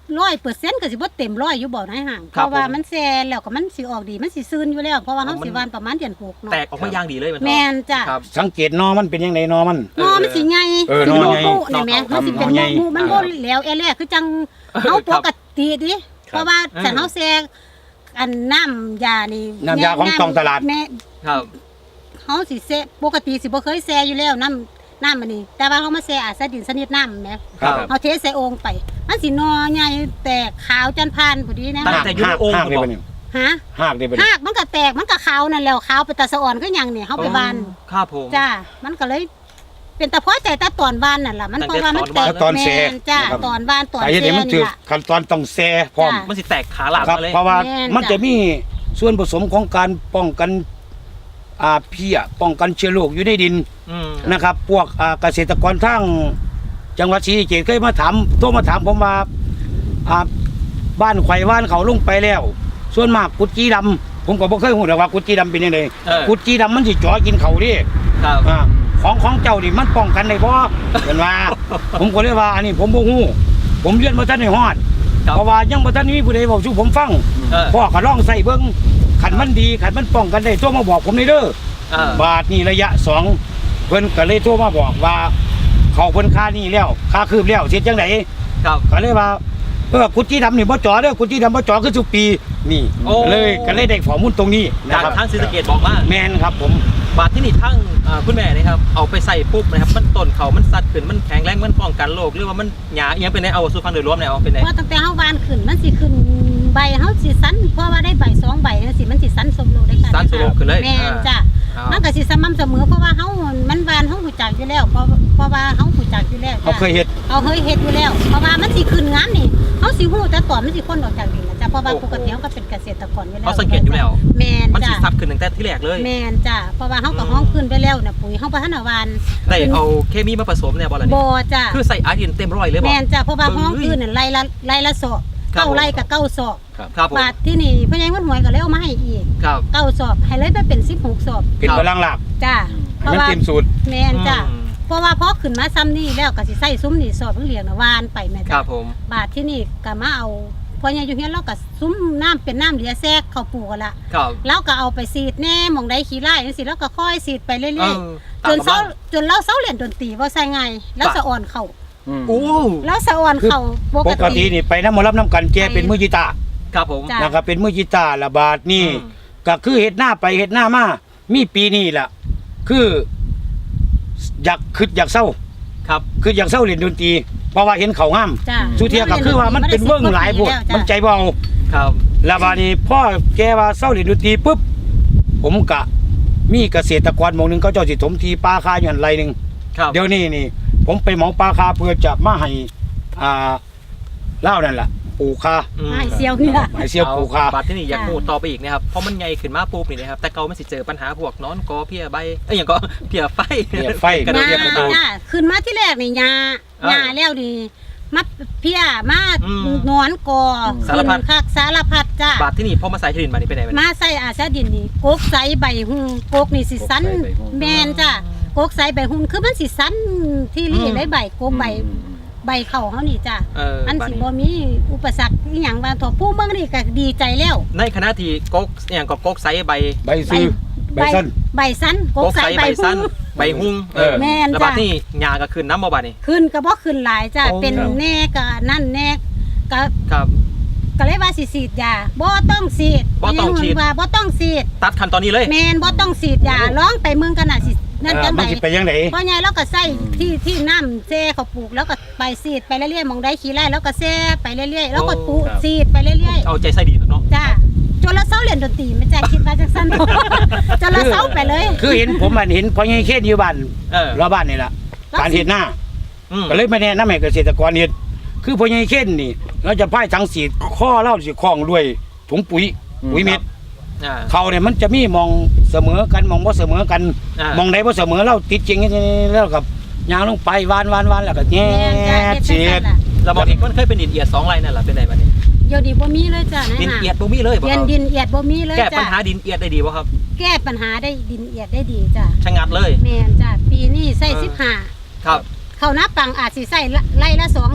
Speaker 4: ร้อยเปอร์เซ็นต์ก็สิบ่เต็มร้อยอยู่บ่ในห่างเพราะว่ามันแซ่แล้วก็มันสิออกดีมันสิซื่นอยู่แล้วเพราะว่าเฮาสิหว่านประมาณเดือนหกเนาะ
Speaker 1: แตกออกมาอย่างดีเลยมัน
Speaker 4: แม่นจ้ะ
Speaker 1: ครับ
Speaker 2: สังเกตนอมันเป็นยังไงนอมัน
Speaker 4: นอมันสิใหญ่
Speaker 2: เออ
Speaker 4: สิ
Speaker 2: นอใหญ่
Speaker 4: โมุนี่แม่มันสิเป็น
Speaker 2: นอใหญ่
Speaker 4: โมุมันบ่แล้วแอแลคือจังเฮาปกติดิเพราะว่าฉันเฮาแซ่อันน้ำยานี่
Speaker 2: น้ำยาของตองตลาด
Speaker 4: แม่
Speaker 1: ครับ
Speaker 4: เฮาสิแซ่ปกติสิบ่เคยแซ่อยู่แล้วน้ำน้ำอันนี้แต่ว่าเฮามาแซ่อาซาดินสนิทน้ำแหม
Speaker 1: ครับ
Speaker 4: เฮาเทใส่โอ่งไปมันสินอใหญ่แตกขาวจันพานพอดีนะ
Speaker 1: ตั้งแต่อยู่ในโอ่ง
Speaker 2: หากได้
Speaker 1: บ่
Speaker 2: ปะเนี่ย
Speaker 4: ฮะ
Speaker 2: หากได้ปะ
Speaker 4: หา
Speaker 2: เนี่ย
Speaker 4: กมันก็แตกมันก็ขาวนั่นแล้วขาวไปตาสะอ่อนก็หยังเนี่ยเฮาไปบาน
Speaker 1: ครับผม
Speaker 4: จ้ามันก็เลย เป็นตะพอใจแต่ตอนบานนั่นล่ะมันเพราะว่ามันแตก
Speaker 2: ตอนแซ่
Speaker 4: แม่นจ้า
Speaker 2: นะครับ
Speaker 4: ตอนบานตอน
Speaker 2: สาเหตุ
Speaker 4: แซ่
Speaker 2: นี้มันถื
Speaker 4: นี่
Speaker 2: อ
Speaker 4: ล่ะ
Speaker 2: ขั้นตอนต้องแซ่พร้อม
Speaker 4: จ้ะ
Speaker 1: มันสิแตกขาหลัง
Speaker 2: ครับ
Speaker 1: มาเลย
Speaker 2: เพราะว่า
Speaker 4: แม่น
Speaker 2: มัน
Speaker 4: จ้ะ
Speaker 2: จะมีส่วนผสมของการป้องกันอ่าเพี้ยป้องกันเชื้อโรคอยู่ในดิน
Speaker 1: อืม
Speaker 2: นะครับ พวกอ่าเกษตรกรทั้งจังหวัดศรีสะเกษเคยมาถามโทรมาถามผมว่าอ่าบ้านไข่บ้านเขาลงไปแล้ว ส่วนมากกุดจีดำผมก็บ่เคยรู้หรอกว่ากุดจีดำเป็นยังไง
Speaker 1: เออ
Speaker 2: กุดจีดำมันสิจ่อกินเขาดิ
Speaker 1: ครับ
Speaker 2: อ่าของของเจ้านี่มันป้องกันได้บ่เห็นว่า ผมก็เลยว่าอันนี้ผมบ่ฮู้ผมเรียนบ่ทันได้ฮอด
Speaker 1: ครับ
Speaker 2: เพราะว่ายังบ่ทันมีผู้ใดบอกสู่ผมฟัง
Speaker 1: เออ
Speaker 2: พ่อก็ลองใส่เบิ่งขันมันดีขันมันป้องกันได้โทรมาบอกผมได้เด้อ
Speaker 1: เออ
Speaker 2: บาทนี่ระยะสองเพิ่นก็เลยโทรมาบอกว่า เขาเพิ่นค่านี่แล้วค่าคืบแล้วเสร็จจังได๋
Speaker 1: ครับ
Speaker 2: ก็เลยว่าเออกุจิดำนี่บ่จ่อเด้อกุจิดำบ่จ่อคือทุกปีนี่
Speaker 1: โอ้
Speaker 2: เลยก็เลยได้ข้อมูลตรงนี้นะ
Speaker 1: จาก
Speaker 2: ครับ
Speaker 1: ทางศรีสะเกษบอกมา
Speaker 2: แม่นครับผม
Speaker 1: บาดที่นี่ทั้งอ่าคุณแม่นะครับเอาไปใส่ปุ๊บนะครับมันต้นเขามันสัดขึ้นมันแข็งแรงมันป้องกันโรคหรือว่ามันหยาเอียงเป็นไงเอาสู่ฟังโดยรวมเนี่ยเอาเป็นไง
Speaker 4: เพราะตั้งแต่เฮาบานขึ้นมันสิขึ้นใบเฮาสิสันเพราะว่าได้ใบสองใบจังซี่มันสิสันสมโลได้ค่ะ
Speaker 1: สันสู่โลกขึ้นเลย
Speaker 4: แม่นจ้ะ
Speaker 1: อ่า
Speaker 4: มันก็สิสม่ำเสมอเพราะว่าเฮามันบานเฮาหูจักอยู่แล้วเพราะเพราะว่าเฮาหูจักอยู่แล้ว
Speaker 2: เขา
Speaker 4: จ้ะ
Speaker 2: เคยเฮ็ด
Speaker 4: เอาเฮ้ยเฮ็ดอยู่แล้วเพราะว่ามันสิขึ้นงามนี่เฮาสิฮู้แต่ตอนมันสิคนออกจากดินนะจ้ะเพราะว่าปกติเฮาก็เป็นเกษตรกรอยู่แล้ว
Speaker 1: เขาสังเกตอยู่แล้ว
Speaker 4: แม่น
Speaker 1: มันสิ
Speaker 4: จ้ะ
Speaker 1: ซัดขึ้นตั้งแต่ที่แรกเลย
Speaker 4: แม่นจ้ะเพราะว่าเฮาก็ห้องขึ้นไปแล้วน่ะปุ๋ยเฮาบ่ทันได้หวาน
Speaker 1: ได้เอาเคมีมาผสมเนี่ยบ่ล่ะนี่
Speaker 4: บ่จ้ะ
Speaker 1: คือใส่อาร์ดินเต็มร้อยเลยบ่
Speaker 4: แม่นจ้ะเพราะว่า
Speaker 1: เอ้ย
Speaker 4: ห้องขึ้นน่ะไล่ละไล่ละศอก
Speaker 1: ครับ
Speaker 4: เก้าไร่กับเก้าศอก
Speaker 1: ครับผม
Speaker 4: บาทที่นี่พ่อใหญ่คนหวยก็เลยเอามาให้อีก
Speaker 1: ครับ
Speaker 4: เก้าศอกให้เลยไปเป็นสิบหกศอก
Speaker 2: เป็นพลังหลัก
Speaker 4: จ้ะเพ
Speaker 2: ให้
Speaker 4: ราะ
Speaker 2: มัน
Speaker 4: ว่า
Speaker 2: เต็มสูตร
Speaker 4: แม่นจ้ะ
Speaker 1: อืม
Speaker 4: เพราะว่าพอขึ้นมาซ้ำนี่แล้วก็สิใส่ซุ้มนี่สอบเพิ่งเลี้ยงน่ะหวานไปแม่
Speaker 1: ค
Speaker 4: จ้ะ
Speaker 1: รับผม
Speaker 4: บาทที่นี่ก็มาเอาพ่อใหญ่อยู่เฮียนเราก็ซุ้มน้ำเป็นน้ำเหลือแทรกเข้าปลูกกันละ
Speaker 1: ครับ
Speaker 4: แล้วก็เอาไปสีดแน่หมองได้ขี้ไล่จังซี่แล้วก็ค่อยสีดไปเรื่อย
Speaker 1: เออ
Speaker 4: ๆจนเศร้าจนเราเศร้าเรียนดนตรีบ่ใส่ไงแล้วสะอ่อนเข้า
Speaker 1: โอ้
Speaker 4: แล้วสะอ่อนเข้าป
Speaker 2: ป
Speaker 4: ก
Speaker 2: กติ
Speaker 4: ติ
Speaker 2: นี่ไปน้ำหมอรับน้ำกันแกเป็นมือกีตาร์
Speaker 1: ครับผม
Speaker 4: จ้ะ
Speaker 2: นะครับเป็นมือกีตาร์ระบาดนี่
Speaker 1: อืม
Speaker 2: ก็คือเฮ็ดหน้าไปเฮ็ดหน้ามามีปีนี้ล่ะ คืออยากคิดอยากเศร้า
Speaker 1: ครับ
Speaker 2: คืออยากเศร้าเล่นดนตรีเพราะว่าเห็นเขางาม
Speaker 4: จ้ะ
Speaker 2: สุเทียก็คือว่ามันเป็นเวิ้งหลายพวกมันใจเบา
Speaker 1: ครับ
Speaker 2: แล้วบาดนี้พ่อแกว่าเศร้าเล่นดนตรีปุ๊บผมกะมีเกษตรกรหมู่หนึงเขาเจ้าสิถมทีปลาคาอยู่หั่นไรหนึง
Speaker 1: ครับ
Speaker 2: เดี๋ยวนี้นี่ ผมไปเหมาปลาคาเพื่อจะมาให้อ่าเล่าวนั่นล่ะปลูกคา
Speaker 1: อืม
Speaker 4: ให้เซียวนี่ล่ะ
Speaker 2: ให้เสียวปลูกคา
Speaker 1: บาดที่นี่อยาก
Speaker 4: จ้ะ
Speaker 1: พูดต่อไปอีกนะครับเพราะมันใหญ่ขึ้นมาปุ๊บนี่นะครับแต่เก่ามันสิเจอปัญหาพวกนอนกอเพี้ยใบเอ้ยอย่างก็เพี้ยไฟ
Speaker 2: เพี้ยไฟ
Speaker 1: กระโดดเรียกกระโดด
Speaker 4: จ้ะขึ้นมาที่แรกนี่ยา
Speaker 1: เออ
Speaker 4: ยาแล้วนี่มาเพี้ยมา
Speaker 1: อืม
Speaker 4: นอนกอ
Speaker 1: สารพัด
Speaker 4: ขึ้นคักสารพัดจ้ะ
Speaker 1: บาดที่นี่พอมาใส่ชลินมานี่เป็นไงมัน
Speaker 4: มาใส่อาซาดินนี่กกใสใบหุงกกนี่สิสัน
Speaker 3: กกใสใบหุ้ง
Speaker 4: แมนจ้ะกกใสใบหุงคือมันสิสันที่รีเลยใบกกใบใบเข่าเขานี่จ้ะ
Speaker 1: เออ
Speaker 4: อัน
Speaker 1: บาด
Speaker 4: สิ
Speaker 1: นี้
Speaker 4: บ่มีอุปสรรคอีหยังว่าถั่วผู้เมืองนี่ก็ดีใจแล้ว
Speaker 1: ในขณะที่กกอย่างก็กกไซใบ
Speaker 2: ใบซื้อใบสั้น
Speaker 4: ใบสันก
Speaker 1: ก
Speaker 4: ก
Speaker 1: ก
Speaker 4: ใส
Speaker 1: ไซ
Speaker 4: ใบ
Speaker 1: ใบ
Speaker 4: หุ
Speaker 1: สั้น
Speaker 4: ง
Speaker 1: ใบหุ้งเออ
Speaker 4: แม่น
Speaker 1: แล้ว
Speaker 4: จ้ะ
Speaker 1: บาดนี่ยาก็ขึ้นน้ำบ่บาดนี่
Speaker 4: ขึ้นก็บ่ขึ้นหลายจ้ะ
Speaker 1: โอ้
Speaker 4: เป็น
Speaker 1: ครับ
Speaker 4: แน่ก็นั่นแน่ก็
Speaker 1: ครับ
Speaker 4: ก็เลยว่าสิฉีดยาบ่ต้องฉีด
Speaker 1: บ่ต้องฉีด
Speaker 4: ว่าบ่ต้องฉีด
Speaker 1: ตัดขั้นตอนนี้เลย
Speaker 4: แม่นบ่ต้องฉีดยาร้องไปเมืองกันน่ะสินั่น
Speaker 2: เอ่
Speaker 4: จั
Speaker 2: อง
Speaker 4: ได
Speaker 2: มันสิไปยังไง
Speaker 4: พ่อใหญ่เราก็ใส่ที่ที่น้ำแช่เขาปลูกแล้วก็ไปฉีดไปเรื่อยๆหมองได้ขี้ไร่แล้วก็แช่ไปเรื่อยๆแล้วก็ปลูก
Speaker 1: ครับ
Speaker 4: ฉีดไปเรื่อย
Speaker 1: เอาใจใส่ดีเนาะ
Speaker 4: ๆจ้าจนเราเศร้าเรียนดนตรีไม่จ้าคิดว่าจังซั่น จนเราเศร้าไปเลย
Speaker 2: คือเห็นผมมันเห็นพ่อใหญ่เขตอยู่บ้าน
Speaker 1: เออ
Speaker 2: รอบบ้านนี่ล่ะการเฮ็ดหน้า
Speaker 1: อืม
Speaker 2: ก็เลยมาแนะนำให้เกษตรกรเฮ็ดคือพ่อใหญ่เขตนี่ เราจะพ่ายถังสีดข้อเล่าสิคล้องด้วยถุงปุ๋ย
Speaker 3: อืม
Speaker 2: ปุ๋ยเม็ด
Speaker 1: อ่า
Speaker 2: เขาเนี่ยมันจะมีมองเสมอกันมองบ่เสมอกัน
Speaker 1: อ่าม
Speaker 2: องใดบ่เสมอเราติดจริงๆแล้วกับยางลงไปวานวานวานแล้วก็แง่
Speaker 4: แม่นจ้าเฮ็ดจัง
Speaker 2: เสีย
Speaker 4: ซั่
Speaker 2: ด
Speaker 4: นล่ะ
Speaker 1: เราบอกอีกมันเคยเป็นดินเอียดสองไรนั่นแหละเป็นไงบาดนี้
Speaker 4: เดี๋ยวนี้บ่มีเลยจ้า
Speaker 1: ดิน
Speaker 4: นะ
Speaker 1: เอียดบ่มีเลยบ่
Speaker 4: เรียน
Speaker 1: ครับ
Speaker 4: ดินเอียดบ่มีเลย
Speaker 1: แก้ปัญ
Speaker 4: จ้า
Speaker 1: หาดินเอียดได้ดีบ่ครับ
Speaker 4: แก้ปัญหาได้ดินเอียดได้ดีจ้า
Speaker 1: ชะงัดเลย
Speaker 4: แม่นจ้าปีนี้ใส่
Speaker 1: เออ
Speaker 4: สิบห้า
Speaker 1: ครับ
Speaker 4: เข้าหน้าปังอาจสิใส่ไล่ละสองศอก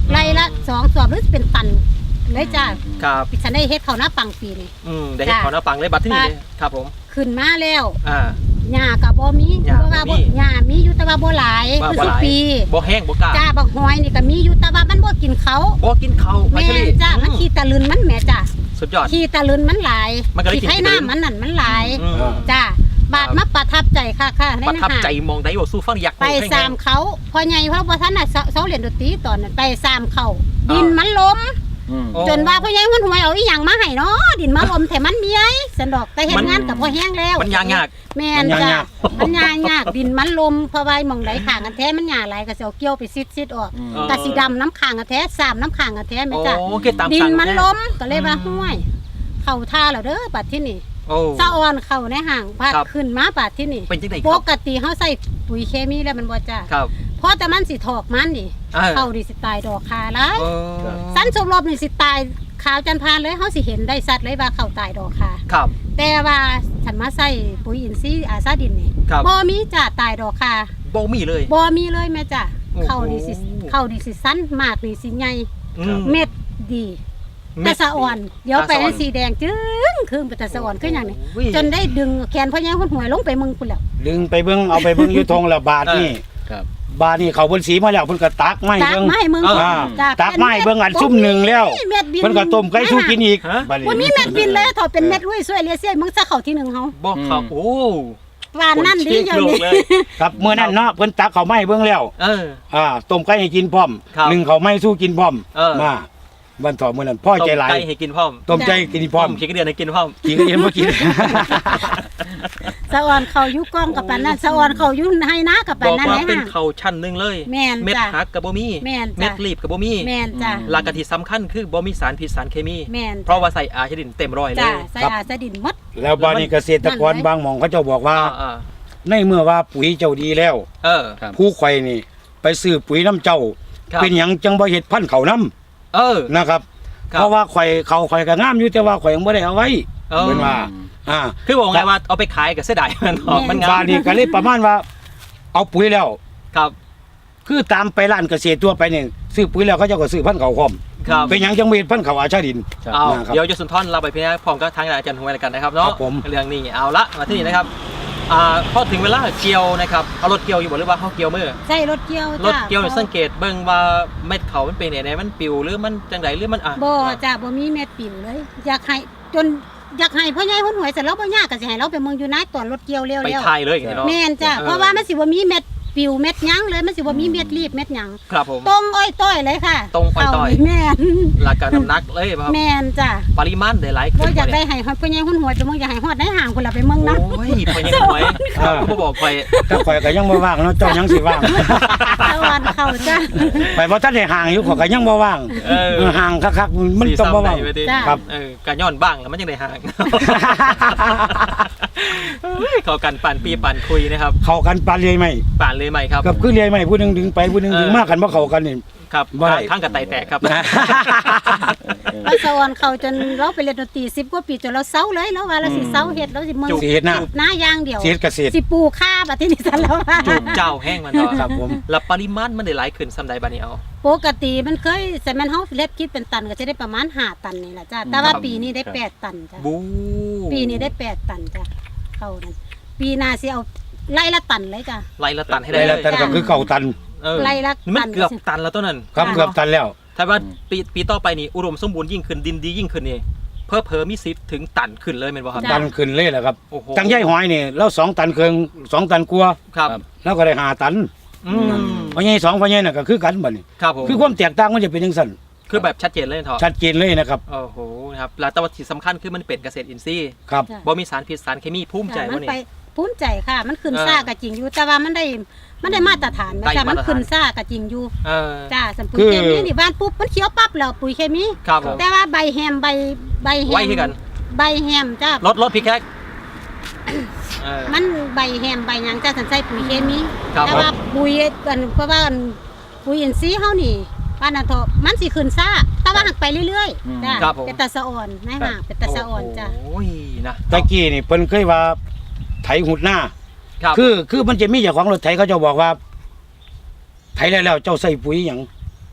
Speaker 4: ไร่ละสองสอบหรือเป็นตันเลยจ้า
Speaker 1: ครับ
Speaker 4: ฉันได้เฮ็ดข้าวหน้าปังปีนี่
Speaker 1: อืมได้เห็นขอหน้าปังเลยบัตรที่นี่เลยครับผม
Speaker 4: ขึ้นมาแล้ว
Speaker 1: อ่า
Speaker 4: หญ้าก็บ่มี
Speaker 1: หญ้า
Speaker 4: เพราะว่า
Speaker 1: บ่
Speaker 4: บ่
Speaker 1: มี
Speaker 4: หญ้ามีอยู่แต่ว่าบ่หลาย
Speaker 1: ว่า
Speaker 4: คือ
Speaker 1: บ่
Speaker 4: สิ
Speaker 1: หลาย
Speaker 4: ปี
Speaker 1: บ่แห้งบ่กล้า
Speaker 4: จ้าบักหอยนี่ก็มีอยู่แต่ว่ามันบ่กินเขา
Speaker 1: บ่กินข้าว
Speaker 4: แม่
Speaker 1: ไชลี
Speaker 4: นจ้ามันขี้ตะลึนมันแหม่จ้า
Speaker 1: สุดยอด
Speaker 4: ขี้ตะลึนมันหลาย
Speaker 1: มันก็เลยกิน
Speaker 4: ขี้ไข่
Speaker 1: ขี้ตะลึน
Speaker 4: น้ำมันนั่นมันหลาย
Speaker 1: อืม
Speaker 4: จ้าบาดมาประทับใจค่ะค่ะใน
Speaker 1: ประทับ
Speaker 4: หา
Speaker 1: ใจมองได้ว่าสู้ฟังอยาก
Speaker 4: ไปสามเขาพอใหญ่เพราะว่าท่านน่ะเซาเซาเรียนดนตรีตอนนั้นไปสามเขาดินมันล้ม
Speaker 3: อืม
Speaker 1: โอ้
Speaker 4: จนว่าพ่อใหญ่มันหวยเอาอีหยังมาให้เนาะดินมาล้มแต่มันมีไอ้สันดอกแต่เฮ็ดงานกับพ่อแห้งแล้ว
Speaker 1: มันยากยาก
Speaker 4: แม่นจ้ะมันยากยากดินมันลมเพราะว่าหมองไหลข้างกันแท้มันหญ้าหลายก็สิเอาเกี่ยวไปซิดๆออก
Speaker 3: อืม
Speaker 1: เออ
Speaker 4: ก็สิดำน้ำข้างกันแท้สามน้ำข้างกันแท้แม่
Speaker 1: โอ้
Speaker 4: จ้ะ
Speaker 1: โอเคตาม
Speaker 4: ดิน
Speaker 1: สั่ง
Speaker 4: มัน
Speaker 1: แท้
Speaker 4: ล้มก็เลยว่า
Speaker 1: อืม
Speaker 4: ห้วย เข้าท่าแล้วเด้อบัดที่นี่
Speaker 1: โอ้
Speaker 4: สะออนเข้าในห่างพา
Speaker 1: ครับ
Speaker 4: ขึ้นมาบัดที่นี่
Speaker 1: เป็นจังได๋ค
Speaker 4: ป
Speaker 1: รับ
Speaker 4: กติเฮาใส่ปุ๋ยเคมีแล้วมันบ่จ้ะ
Speaker 1: ครับ
Speaker 4: เพราะแต่มันสิถอกมันนี่
Speaker 1: เออ
Speaker 4: เข้าดิสิตายดอกคาหลาย
Speaker 1: เออ
Speaker 4: สั้นสมรบนี่สิตายขาวจันทร์พานเลยเฮาสิเห็นได้สัตว์เลยว่าเข้าตายดอกคา
Speaker 1: ครับ
Speaker 4: แต่ว่าฉันมาใส่ปุ๋ยอินทรีย์อาซาดินนี่
Speaker 1: ครับ
Speaker 4: บ่มีจ้ะตายดอกคา
Speaker 1: บ่มีเลย
Speaker 4: บ่มีเลยแม่จ้ะ
Speaker 1: โอ้โห
Speaker 4: เข้าดิสิเข้าดิสิสั้นมากนี่สิใหญ่
Speaker 1: อืม
Speaker 4: เม็ดดีแต่สะอ่อน เดี๋ยวไป
Speaker 1: ตาสะอ่อน
Speaker 4: ให้สีแดงจึ้งคือเป็นแต่สะอ่อนคือหยังนี่
Speaker 1: โอ้ย
Speaker 4: จนได้ดึงแขนพ่อใหญ่หุ่นหวยลงไปมึงพุ่นแล้ว
Speaker 2: ดึงไปเบิ่งเอาไปเบิ่งอยู่ทงละบาทนี่
Speaker 3: ครับ
Speaker 2: บาทนี่เขาเพิ่นสีมาแล้วเพิ่นก็ตักไม้
Speaker 4: ตัก
Speaker 2: เบิ่ง
Speaker 4: ไม้มึง
Speaker 1: เออ
Speaker 2: อ่า
Speaker 4: จ้ะ
Speaker 2: ตักไม้เบิ่งอันซุ่มหนึ่งแล้ว
Speaker 4: เม็ดบิน
Speaker 2: เพิ่นก็ต้มไก่สู้กินอีก
Speaker 1: ฮะ
Speaker 2: บัดนี้
Speaker 4: บ่มีเม็ดบินเลยถอดเป็นเม็ดอุ้ยสวยเลียเสียมึงซะเข้าที่หนึ่งเฮา
Speaker 1: บ่ครับ
Speaker 3: อืม
Speaker 1: โอ้
Speaker 4: ว่านั่นดี
Speaker 1: ค
Speaker 4: เดี๋ย
Speaker 1: เช็
Speaker 4: ว
Speaker 1: คโล
Speaker 4: นี้
Speaker 1: กเลย
Speaker 2: ครับเมื่อนั้นเนาะเพิ่นตักเขาวไม้เบิ่งแล้ว
Speaker 1: เออ
Speaker 2: อ่าต้มไก่ให้กินพร้อม
Speaker 1: ครับ
Speaker 2: หนึ่งเขาวไม้สู้กินพร้อม
Speaker 1: เออ
Speaker 2: มาวันต่อมื้อนั้นพ่อใจหลาย
Speaker 1: ต้มไก่ให้กินพร้อม
Speaker 2: ต้มใจกินพร้อม
Speaker 1: ขี้กระเดือนให้กินพร้อม
Speaker 2: กินก็เย็นบ่กิน
Speaker 4: สะอ่อนเข้าอยู่กล้องกับปานนั้นสะอ่อนเข้าอยู่ให้นะกับ
Speaker 1: บ
Speaker 4: ปาน
Speaker 1: อก
Speaker 4: นั้น
Speaker 1: ว่า
Speaker 4: แหละ
Speaker 1: เป็น
Speaker 4: ฮะ
Speaker 1: เขาชั้นหนึงเลย
Speaker 4: แม่น
Speaker 1: เม็ด
Speaker 4: จ้ะ
Speaker 1: ฮักกับบ่มี
Speaker 4: แม่น
Speaker 1: เม็
Speaker 4: จ้ะ
Speaker 1: ดรีบกับบ่มี
Speaker 4: แม่นจ้ะ
Speaker 1: หลักกะที่สำคัญคือบ่มีสารพิษสารเคมี
Speaker 4: แม่น
Speaker 1: เพราะว่าใส่อาชดินเต็มร้อยเล
Speaker 4: จ้ะ
Speaker 1: ย
Speaker 4: ใส่
Speaker 2: ครับ
Speaker 4: อาสะดินหมด
Speaker 2: แล้วบาดนี้เกษตรกรบางหม่องเขาเจ้าบอกว่า
Speaker 1: อ่า
Speaker 2: ในเมื่อว่าปุ๋ยเจ้าดีแล้ว
Speaker 1: ๆเออ
Speaker 3: ครับ
Speaker 2: ผู้ข่อยนี่ ไปซื้อปุ๋ยน้ำเจ้า
Speaker 1: ครับ
Speaker 2: เป็นหยังจังบ่เฮ็ดพันธุ์เขาวน้
Speaker 1: เออ
Speaker 2: ำนะครับ
Speaker 1: ครับ
Speaker 2: เพราะว่าข่อยเขาข่อยก็งามอยู่แต่ว่าข่อยยังบ่ได้เอาไว้
Speaker 1: เออ
Speaker 2: เพิ่นว่า อ่า
Speaker 1: คือบอกไงว่าเอาไปขายกับเสียดายมันออกมันงา
Speaker 2: บาม ดนี้ก็เลยประมาณว่า เอาปุ๋ยแล้ว
Speaker 1: ครับ
Speaker 2: คือตามไปร้านเกษตรทั่วไปเนี่ยซื้อปุ๋ยแล้วเขาเจ้าก็ซื้อพันธุ์เขาวพร้อม
Speaker 1: ครับ
Speaker 2: เป็นหยังจังบ่เฮ็ดพันธุ์เขาวอาชาดิน
Speaker 3: ครับ
Speaker 1: เอา
Speaker 2: นะครับ
Speaker 1: เดี๋ยวจะสุนทรเราไปพี่นะพร้อมก็ทางอาจารย์หวยแล้วกันนะครับเนาะ
Speaker 2: ครับผม
Speaker 1: เรื่องนี้เอาละมาที่นี่นะครับอ่าพอถึงเวลาเกี่ยวนะครับเอารถเกี่ยวอยู่บ่หรือว่าเขาเกี่ยวมือ
Speaker 4: ใช่รถเกี่ยว
Speaker 1: รถ
Speaker 4: จ้ะ
Speaker 1: เกี่ยวนี่สังเกตเบิ่งว่าเม็ดเขามันเป็นไหนๆมันปิวหรือมันจังไดหรือมันอ่ะ
Speaker 4: บ่จ้ะบ่มีเม็ดปิ่นเลย อยากให้จนอยากให้พ่อใหญ่หุ่นหวยเสร็จแล้วบ่ยากก็สิให้เราไปเมืองอยู่นายตอนรถเกี่ยวเร็ว
Speaker 1: ไป
Speaker 4: แล้ว
Speaker 1: ทายเลยอย่างนี้เนาะ
Speaker 4: แม่นจ้ะ
Speaker 1: เออ
Speaker 4: เพราะว่ามันสิบ่มีเม็ดปิวเม็ดหยังเลยมันสิบ่มีเม็ดรีบเม็ดหยัง
Speaker 1: ครับผม
Speaker 4: ตรงอ้อยต้อยเลยค่ะ
Speaker 1: ตรงอ้อยต้อย
Speaker 4: เข้านี่แม่น
Speaker 1: หลักการน้ำหนักเลยครับ
Speaker 4: แม่นจ้ะ
Speaker 1: ปริมาณได้หลาย
Speaker 4: บ่
Speaker 1: ขึ้น
Speaker 4: อยาก
Speaker 1: บ่
Speaker 4: ได้
Speaker 1: เนี่ย
Speaker 4: ให้พ่อใหญ่หุ่นหวยไปเมืองอยากให้ฮอดได้ห่างพุ่นล่ะไปเมืองนั้น
Speaker 1: โอ้ยพอยังหวยเขาก็บอกไป
Speaker 2: ถ้าข่อยก็ยังบ่ว่างเนาะเจ้ายังสิว่าง
Speaker 4: ตะวันเข้าจ้ะ
Speaker 2: ไปบ่ทันได้ห่างอยู่ข่อยก็ยังบ่ว่าง
Speaker 1: เออ
Speaker 2: ห่างคักๆมันต้องบ่ว่าง
Speaker 1: สีซ้ำได้ไว้ดิ
Speaker 4: จ้ะ
Speaker 2: ครับ
Speaker 1: เออการย้อนบ้างแล้วมันยังได้ห่างเฮ้ยเขากันปั่นปีปั่นคุยนะครับ
Speaker 2: เข้ากันปานเลยไหม
Speaker 1: ปั่นเลยไหมครับ
Speaker 2: กับคือเลียไหมผู้หนึงดึงไปผู้หนึงดึง
Speaker 1: เออ
Speaker 2: มากันบ่เข้ากันนี่
Speaker 1: ครับ
Speaker 2: บ่ได้
Speaker 1: ข้างกับไตแตกครับ
Speaker 4: ไปสวรรค์เขาจนเราไปเรียนดนตรีสิบกว่าปีจนเราเศร้าเลยแล้วว่าเราสิเศร้าเฮ็ดเราสิเมือง
Speaker 1: จุก
Speaker 2: สิเฮ็ดหน้า
Speaker 4: ปลูกหน้าอย่างเดียว
Speaker 2: สิเฮ็ดเกษตร
Speaker 4: สิปลูกข้าบัดที่นี่ซั่นแล้วว่า
Speaker 1: จูบเจ้าแห้งมันต่อ
Speaker 2: ครับผม
Speaker 1: แล้วปริมาณมันได้หลายขึ้นสำใดบานี้เอา
Speaker 4: ปกติมันเคยแต่มันเฮาเล็ดคิดเป็นตันก็จะได้ประมาณห้าตันนี่แหละจ้ะแต่ว่า
Speaker 1: ครับ
Speaker 4: ปีนี้ได้แปดตันจ้ะ
Speaker 1: บู
Speaker 4: ปีนี้ได้แปดตันจ้ะเข้านั่นปีหน้าสิเอาไล่ละตันเลยจ้ะ
Speaker 1: ไล่ละตันให้ได้
Speaker 2: ได้
Speaker 1: เล
Speaker 2: แล้ว
Speaker 1: ย
Speaker 2: แต่ก็คือเก่าตัน
Speaker 1: เออ
Speaker 4: ไล่ละ
Speaker 1: มัน
Speaker 4: ตัน
Speaker 1: เกือบตันแล้วต้นนั้น
Speaker 2: ครับ
Speaker 4: ค่ะ
Speaker 2: เกือบตันแล้ว
Speaker 1: ถ้าว่าปีปีต่อไปนี่อุดมสมบูรณ์ยิ่งขึ้นดินดียิ่งขึ้นนี่เพิ่มเพิ่มมีสิทธิ์ถึงตันขึ้นเลยแม่นบ่ครับ
Speaker 2: ตันขึ้นเลยแหละครับ
Speaker 1: โอ้โห
Speaker 2: จังใหญ่หอยนี่แล้วสองตันเคืองสองตันกลัวา
Speaker 1: ครับ
Speaker 2: แล้วก็ได้ห้าตัน
Speaker 1: อืม
Speaker 2: เพราะใหญ่สองเพราะใหญ่น่ะก็คือกันบัดนี้
Speaker 1: ครับผม
Speaker 2: คือความแตกต่างมันจะเป็นจังซั่น
Speaker 1: คือแบบชัดเจนเลยเถอะ
Speaker 2: ชัดเจนเลยนะครับ
Speaker 1: โอ้โหนะครับแล้วแต่ว่าที่สำคัญคือมันเป็นเกษตรอินทรีย์
Speaker 2: ครับ
Speaker 4: จ้ะ
Speaker 1: บ่มีสารพิษสารเคมีภูมิใจ
Speaker 4: จ้ะมั
Speaker 1: ว่าน นี่
Speaker 4: ไปภูมิใจค่ะ มันขึ้น
Speaker 1: เออ
Speaker 4: ซ่าก็จริงอยู่ แต่ว่ามันได้มันได้มาตรฐานนะ
Speaker 1: ได้
Speaker 4: จ้ะ
Speaker 1: มา
Speaker 4: มัน
Speaker 1: ตรฐาน
Speaker 4: ขึ้นซ่าก็จริงอยู่
Speaker 1: เออ
Speaker 4: จ้าสัมปุ๋
Speaker 2: คื
Speaker 4: ย
Speaker 2: อ
Speaker 4: เคมีนี่บ้านปุ๊บมันเขียวปั๊บแล้วปุ๋ยเคมี
Speaker 1: ครับผม
Speaker 4: แต่ว่าใบแฮมใบใบแฮม
Speaker 1: ไว้คือกัน
Speaker 4: ใบแฮมจ้าร
Speaker 1: ถรถพี่แคกเออ
Speaker 4: มันใบแฮมใบหยังจ้าสันใส่ปุ๋ยเคมี
Speaker 1: ครับ
Speaker 4: แต่ว่าปุ๋ยอันเพราะว่าอันปุ๋ยอินทรีย์เฮานี่บ้านนาทอมันสิขึ้นซ่าแต่ว่าหักไปเรื่อย
Speaker 3: อืม
Speaker 4: ๆจ้า
Speaker 1: ครับผม
Speaker 4: เป็นตาสะอ่อนนะฮะเป็นตาสะอ่อนจ้า
Speaker 1: โอ้ยนะ
Speaker 2: ตะกี้นี่เพิ่นเคยว่าไถหุดหน้า
Speaker 1: ครับ
Speaker 2: คือคือมันจะมีเจ้าของรถไถเขาจะบอกว่า ไถแล้วแล้วเจ้าใส่ปุ๋ยหยัง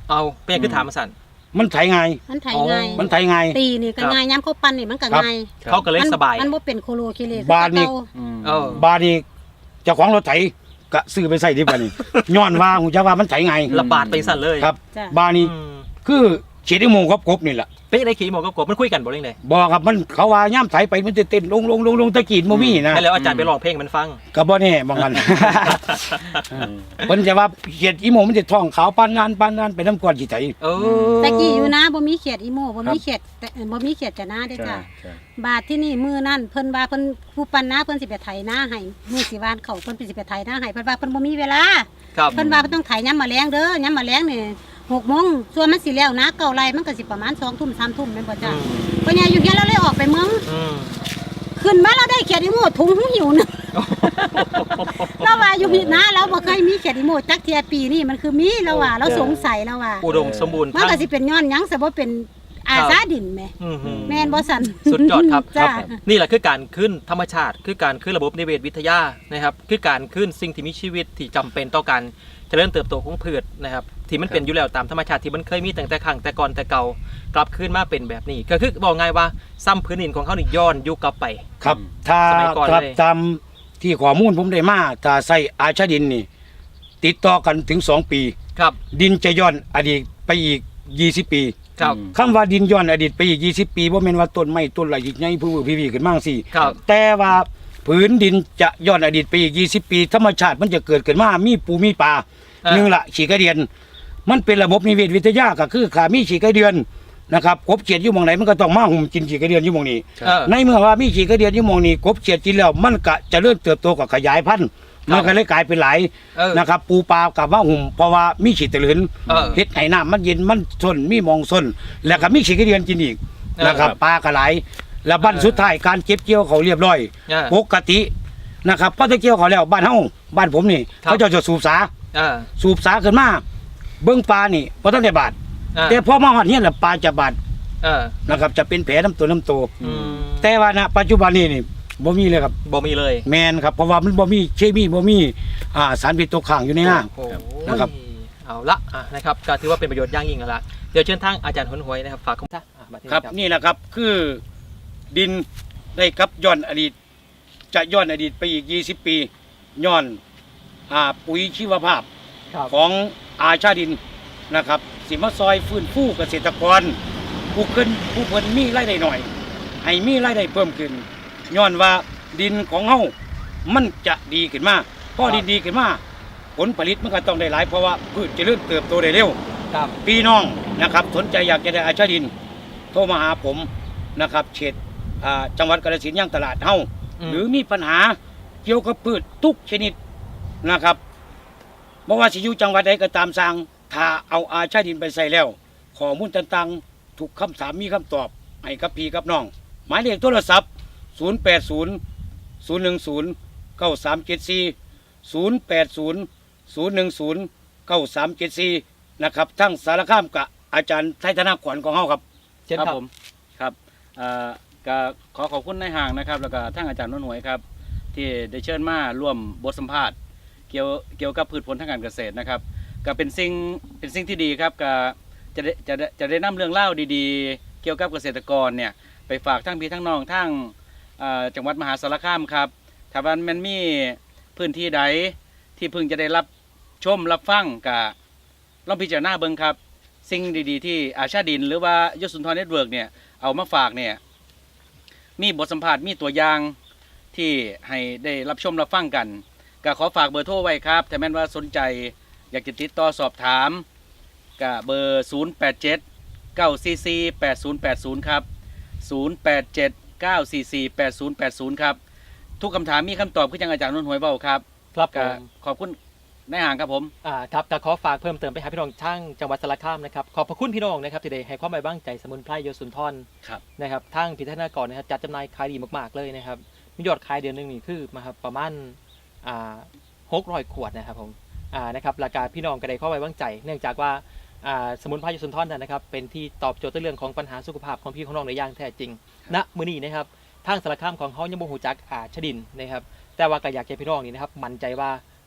Speaker 1: เอาเป็นยังคือถามมาสั่น
Speaker 2: มันไถง่าย
Speaker 4: มันไถ
Speaker 1: อ๋อ
Speaker 4: ง่าย
Speaker 2: มันไถง่าย
Speaker 4: ตีนี่ก็
Speaker 1: ครับ
Speaker 4: ง่ายย้ำเขาปั้นนี่มันก็
Speaker 2: ครับ
Speaker 4: ง่าย
Speaker 1: เขาก็เลยสบาย
Speaker 4: มันบ่เป็นโคโลคิเล
Speaker 2: บ้านนี่
Speaker 4: คือเก่
Speaker 3: อืม
Speaker 1: เออ
Speaker 2: บาดนี้เจ้าของรถไถก็ซื้อไปใส่ดีกว่านี่ ย้อนว่าหูจักว่ามันไถง่าย
Speaker 1: ระบาดไปสั่นเลย
Speaker 2: ครับ
Speaker 4: จ้ะ
Speaker 2: บาดนี้
Speaker 1: อืม
Speaker 2: คือเฉียดโมงกับกบนี่แหละ
Speaker 1: เป็นยังไงขี่หมอกับกบมันคุยกันบ่เรื่องใด
Speaker 2: บอกครับมันเขาว่าย่ำไถไปมันจะเต้นลงลงลงลงตะกีดโมมี่นะ
Speaker 1: ให้แล้วอาจารย์ไปร้องเพลงมันฟัง
Speaker 2: ก็บ่แน่บาง กันเพิ่นจะว่าเฉียดอีโมมันจะท้องขาวปานนานปานนานไปน้ำก้อนสิไถ
Speaker 1: เออ
Speaker 4: ตะกี้อยู่นะบ่มีเขียดอีโมบ่
Speaker 2: ครั
Speaker 4: มี
Speaker 2: บ
Speaker 4: เขียดแต่บ่มีเขียดจะหน้าเด้อ
Speaker 3: ใช่
Speaker 4: จ้ะ
Speaker 3: ใช่
Speaker 4: บาทที่นี่มือนั่นเพิ่นว่าเพิ่นผู้ปันนาเพิ่นสิไปไถนาให้มือสิวานเขาเพิ่นสิไปไถนาให้เพิ่นว่าเพิ่นบ่มีเวลา
Speaker 1: ครับ
Speaker 4: เพิ่นว่าเพิ่นต้องไถยามมื้อแลงเด้อยามมื้อแลงนี่หกโมงส่วนมันสิแล้วนะเก้าไร่มันก็สิประมาณสองทุ่มสามทุ่มแม่นบ่
Speaker 1: อื
Speaker 4: จ้ะ
Speaker 1: ม
Speaker 4: เพราะเนี่ยอยู่เฮียเราเลยออกไปเมือง
Speaker 1: อืม
Speaker 4: ขึ้นมาเราได้เขียดอีโมถุงหิวนึง เราว่าอยู่พี่นะเราบ่เคยมีเขียดอีโมจักเทียปีนี่มันคือมีเราว่าเราสงสัยเราว่า
Speaker 1: อุดมสมบูรณ์
Speaker 4: มันก็สิเป็นย้อนหยังซะบ่เป็นอาซาดินแหม่
Speaker 1: อืมหือ
Speaker 4: แม่นบ่สั่น
Speaker 1: สุดยอดครับ
Speaker 4: จ้า
Speaker 1: นี่แหละคือการขึ้นธรรมชาติ คือการขึ้นระบบนิเวศวิทยานะครับ คือการขึ้นสิ่งที่มีชีวิตที่จำเป็นต่อการเจริญเติบโตของพืชนะครับ ที่มันเป็นอยู่แล้วตามธรรมชาติที่มันเคยมีตั้งแต่ครั้งแต่ก่อนแต่เก่ากลับขึ้นมาเป็นแบบนี้ ก็คือบอกง่ายว่าซ้ำพื้นดินของเขานี่ย้อนยุคกลับไป
Speaker 2: ครับ ถ้า
Speaker 1: สมัยก่อน
Speaker 2: ถ้า
Speaker 1: เลย
Speaker 2: ตามที่ข้อมูลผมได้มาถ้าใส่อาชาดินนี่ ติดต่อกันถึงสองปี
Speaker 1: ครับ
Speaker 2: ดินจะย้อนอดีตไปอีกยี่สิบปี
Speaker 1: ครับ
Speaker 3: อืม
Speaker 2: คำว่าดินย้อนอดีตไปอีกยี่สิบปีบ่แม่นว่าต้นไม้ต้นไหลใหญ่ผู้พี่ๆขึ้นมาจังซี่
Speaker 1: ครับ
Speaker 2: แต่ว่าผืนดินจะย้อนอดีตไปอีกยี่สิบปี ธรรมชาติมันจะเกิดขึ้นมามีปูมีปลา
Speaker 1: อ่า
Speaker 2: หนึ่งละฉีกระเดียน มันเป็นระบบนิเวศวิทยาก็คือขามีฉีกระเดียนนะครับกบเขียดอยู่หมองไหนมันก็ต้องมาหุ่มกินฉีกระเดียนอยู่หมองนี้
Speaker 1: เออ
Speaker 2: ในเมื่อว่ามีฉีกระเดียนอยู่หมองนี้กบเขียดกินแล้วมันก็จะเริ่มเติบโตกับขยายพันธุ์มันก็เลยกลายเป็นหลาย
Speaker 1: เออ
Speaker 2: นะครับปูปลากับว่าหุ่มเพราะว่ามีฉีดตะลืน
Speaker 1: เออ
Speaker 2: เฮ็ดให้น้ำมันเย็นมันซนมีหมองซนแล้วก็มีฉีกระเดียนกินอีก
Speaker 1: เออ
Speaker 2: นะครับปลาก็หลายแล้วบั้นสุดท้ายการเก็บเกี่ยวเขาเรียบร้อย
Speaker 1: เออ
Speaker 2: ปกตินะครับพอจะเกี่ยวเขาแล้วบ้านเฮาบ้านผมนี่
Speaker 1: ครับ
Speaker 2: เขาเจะจะสูบสา
Speaker 1: เออ
Speaker 2: สูบสาขึ้นมาเบื้องปลานี่บ่ทันได้บาด
Speaker 1: เออ
Speaker 2: แต่พอมาฮอดเฮียนแล้วปลาจะบาด
Speaker 1: เออ
Speaker 2: นะครับจะเป็นแผลน้ำตัวน้ำตัว
Speaker 1: อืม
Speaker 2: แต่ว่าณปัจจุบันนี้นี่บ่มีเลยครับ
Speaker 1: บ่มีเลย
Speaker 2: แมนครับเพราะว่ามันบ่มีเคมีบ่มีอ่าสารพิษตกค้างอยู่ในน้
Speaker 1: โอ้โห
Speaker 2: นะครับ
Speaker 1: เอาละอ่ะนะครับก็ถือว่าเป็นประโยชน์อย่างยิ่งแล้วล่ะเดี๋ยวเชิญทางอาจารย์หนหวยนะครับฝากคำท่าอ่ะมาที่
Speaker 2: ำครับนี่แหละครับคือดินได้กับย้อนอดีต จะย้อนอดีตไปอีกยี่สิบปีย้อนอ่าปุ๋ยชีวภาพ
Speaker 1: ครับ
Speaker 2: ของอาชาดินนะครับสิมาซอยฟื้นฟูเกษตรกรผู้ขึ้นผู้เพิ่นมีรายได้หน่อย ให้มีรายได้เพิ่มขึ้นย้อนว่าดินของเฮามันจะดีขึ้นมาพอดินดีขึ้นมาผลผลิตมันก็ต้องได้หลายเพราะว่าพืชจะเริ่มเติบโตได้เร็ว
Speaker 1: ครับ
Speaker 2: พี่น้องนะครับสนใจอยากจะได้อาชาดิน โทรมาหาผมนะครับเขตอ่าจังหวัดกาฬสินธุ์ย่างตลาดเฮา
Speaker 1: ม
Speaker 2: หรือมีปัญหาเกี่ยวกับพืชทุกชนิดนะครับบ่ว่าสิอยู่จังหวัดใดก็ตามสร้างถ้าเอาอาชาดินไปใส่แล้วข้อมูลต่างๆทุกคำถามมีคำตอบให้กับพี่กับน้อง หมายเลขโทรศัพท์ ศูนย์ แปด ศูนย์ ศูนย์ หนึ่ง ศูนย์ เก้า สาม เจ็ด สี่ ศูนย์ แปด ศูนย์ ศูนย์ หนึ่ง ศูนย์ เก้า สาม เจ็ด สี่นะครับทั้งสารคามกับอาจารย์ไทยธนากรของเฮาครับ
Speaker 1: เช่น
Speaker 3: ครับ
Speaker 1: ครับ
Speaker 3: ผมครับเอ่อก็ขอขอบคุณนายห่างนะครับ แล้วก็ท่านอาจารย์นนท์หวยครับ ที่ได้เชิญมาร่วมบทสัมภาษณ์เกี่ยวเกี่ยวกับพืชผลทางการเกษตรนะครับก็เป็นสิ่งเป็นสิ่งที่ดีครับก็จะได้จะได้จะได้นำเรื่องเล่าวดีๆ เกี่ยวกับเกษตรกรเนี่ยไปฝากทั้งพี่ทั้งน้องทั้งเอ่อจังหวัดมหาสารคามครับถ้าว่ามันมีพื้นที่ใดที่เพิ่งจะได้รับชมรับฟังกับลองพิจารณาเบิ่งครับ สิ่งดีๆที่อาชาดินหรือว่ายศสุนทรเน็ตเวิร์กเนี่ยเอามาฝากเนี่ยมีบทสัมภาษณ์มีตัวอย่างที่ให้ได้รับชมรับฟังกันก็ขอฝากเบอร์โทรไว้ครับถ้าแม้นว่าสนใจอยากจะติดต่อสอบถามก็เบอร์ ศูนย์ แปด เจ็ด เก้า สี่ สี่ แปด ศูนย์ แปด ศูนย์ ครับ ศูนย์ แปด เจ็ด เก้า สี่ สี่ แปด ศูนย์ แปด ศูนย์ ครับทุกคำถามมีคำตอบคือจังอาจารย์นนท์หวยเบาครับ
Speaker 1: ครับผ
Speaker 3: ก็
Speaker 1: ม
Speaker 3: ขอบคุณนายห่างครับผม
Speaker 1: อ่าครับก็ขอฝากเพิ่มเติมไปหาพี่น้องช่างจังหวัดสระคามนะครับขอบพระคุณพี่น้องนะครับที่ได้ให้ความไว้วางใจสมุนไพรโยสุนทร
Speaker 3: ครับ
Speaker 1: นะครับทางพิธานากรนะครับจัดจำหน่ายขายดีมากๆเลยนะครับมียอดขายเดือนหนึงนี่คือมาครับประมาณอ่าหกร้อยขวดนะครับผมอ่านะครับราคาพี่น้องก็ได้ข้อไว้วางใจ เนื่องจากว่าอ่าสมุนไพรโยสุนทรนั้นนะครับเป็นที่ตอบโจทย์ในเรื่องของปัญหาสุขภาพของพี่ของน้องในอย่างแท้จริงณมื้อนี้นะครับทางสารคามของเขายังบ่ฮู้จักอาชดินนะครับแต่ว่าก็อยากให้พี่น้องนี่นะครับมั่นใจว่า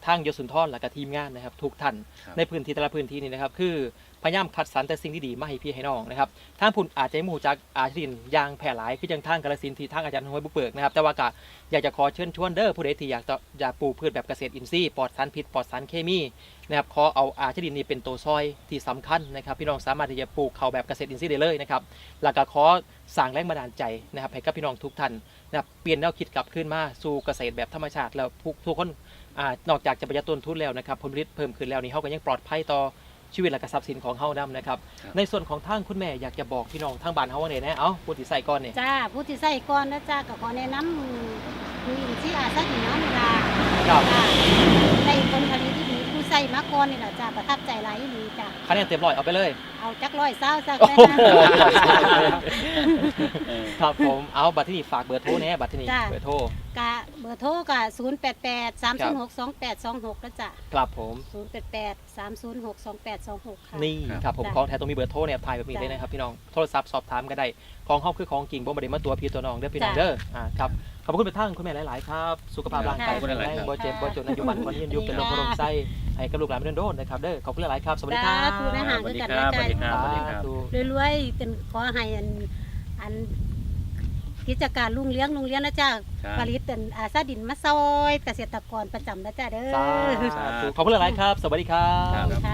Speaker 1: ทางยศสุนทรและก็ทีมงานนะครับทุกท่าน
Speaker 3: ครับ
Speaker 1: ในพื้นที่แต่ละพื้นที่นี่นะครับคือพยายามคัดสรรแต่สิ่งที่ดีมาให้พี่ให้น้องนะครับทางพุ่นอาจจะไม่รู้จักอาชีพยางแพร่หลายคือจังทางกาฬสินธุ์ที่ทางอาจารย์ห้วยบุกเบิกนะครับแต่ว่าก็อยากจะขอเชิญชวนเด้อผู้ใดที่อยากจะอยากปลูกพืชแบบเกษตรอินทรีย์ปลอดสารพิษปลอดสารเคมีนะครับขอเอาอาชีพนี้เป็นตัวซอยที่สำคัญนะครับพี่น้องสามารถที่จะปลูกเขาแบบเกษตรอินทรีย์ได้เลยนะครับแล้วก็ขอสร้างแรงบันดาลใจนะครับให้กับพี่น้องทุกท่านนะครับเปลี่ยนแนวคิดกลับขึ้นมาสู่เกษตรแบบธรรมชาติแล้วทุกทุกคนอ่านอกจากจะประหยัดต้นทุนแล้วนะครับผลผลิตเพิ่มขึ้นแล้วนี่เขาก็ยังปลอดภัยต่อชีวิตและก็ทรัพย์สินของเฮานํนะครับ
Speaker 3: ครับ
Speaker 1: ในส่วนของทางคุณแม่อยากจะบอกพี่น้องทางบ้านเฮาว่าไงนะเอ้าพูดที่ใส่ก่อนเนี่ย
Speaker 4: จ้าผู้ที่ใส่ก่อนนะจ้าก็ขอแนะนำคืออินที่อาซาดินน้ำเวลา
Speaker 1: ครับ
Speaker 4: จ้าได้ผลผลิตที่ดีผู้ใส่มาก่อนนี่แหละจ้าประทับใจหลายดีจ้า
Speaker 1: คะแนนเต็มร้อยเอาไปเลย
Speaker 4: เอาจักร้อยเศร้าสัก
Speaker 1: โอ้
Speaker 4: ได้
Speaker 1: โห
Speaker 4: นะ
Speaker 3: เออ
Speaker 1: ครับผมเอาบัตรที่นี่ฝากเบอร์โทรแน่บัตรที่นี่
Speaker 4: จ้ะ
Speaker 1: เบอร์โทร
Speaker 4: กะเบอร์โทรกะศูนย์แปดแปดสามศูนย์หกสองแปดสองหกนะจ้ะ
Speaker 1: ครับผม
Speaker 4: ศูนย์แปดแปดสามศูนย์หกสองแปดสองหกค่ะ
Speaker 1: นี่
Speaker 3: ครับ
Speaker 1: ครับผม
Speaker 4: จ้ะ
Speaker 1: ของแท้ต้องมีเบอร์โทรเนี่ยถ่ายแบบนี้
Speaker 4: จ้ะ
Speaker 1: เลยนะครับพี่น้องโทรศัพท์สอบถามก็ได้ของเฮาคือของจริงบ่ได้มาตัวพี่ตัวน้องเด้อพี่น้อง
Speaker 4: จ้ะ
Speaker 1: เด้ออ่าครับขอบคุณไปทั้งคุณแม่หลายๆครับสุขภาพร่างกาย
Speaker 3: ขอบคุณหลายๆ
Speaker 1: แข็ง
Speaker 3: ครับ
Speaker 1: บ่เจ็บบ่จนอายุมันคนยืนอยู่เป็นโรคมะเร็งไส้ให้กับลูกหลานไม่โดนนะครับเด้อขอบคุณหลายๆครับสวัสดีครับ
Speaker 4: สาธุนะ
Speaker 3: สวัสดีครับสวัสดีครับสวัสดีครับ
Speaker 1: สาธุ
Speaker 4: รวยๆเป็นขอให้อันอันกิจการลุงเลี้ยงลุงเลี้ยงนะจ้า
Speaker 3: ครับ
Speaker 4: ผลิตเป็นอาซาดินมาซอยเกษตรกรประจำนะจ้าเด้อ
Speaker 1: สาธุขอบคุณหลายๆครับ สวัสดีครับ
Speaker 3: ครับ
Speaker 4: ค่ะ